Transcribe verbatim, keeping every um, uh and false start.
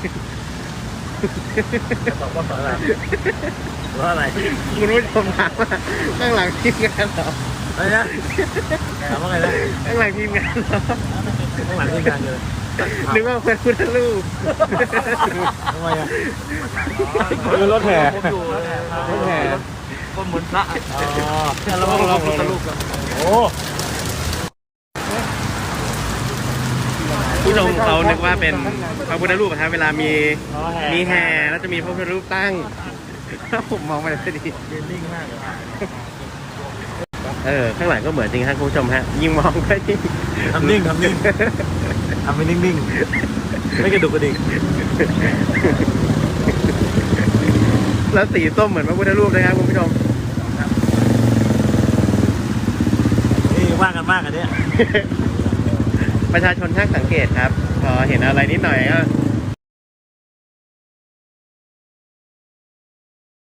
ตอบว่าอะไรว่าอะไรคุณผู้ชมถามว่าข้างหลังทีมงานเหรออะไรนะถามว่าไงนะข้างหลังทีมงานเหรอข้างหลังที่งานเลยนึกว่าเป็นพุทธรูปทำไมอ่ะคือรถแห่รถแห่ก็เหมือนพระอ๋อเราลองลองพุทธรูปกันโอ้ผู้ชมเขานึกว่าเป็นพระพุทธรูปครับเวลามีมีแห่แล้วจะมีพระพุทธรูปตั้งผมมองไปเลยดียืนนิ่งมากเลยเออข้างหลังก็เหมือนจริงครับคุณผู้ชมฮะยิ่งมองก็ยิ่งทำนิ่งทำนิ่งทำไปนิ่งๆไม่กระดุกกระดิกแล้วสีส้มเหมือนพระพุทธรูปนะครับคุณผู้ชมนี่ว่ากันมากอันเนี้ยประชาชนช่างสังเกตครับพอเห็นอะไรนิดหน่อยก็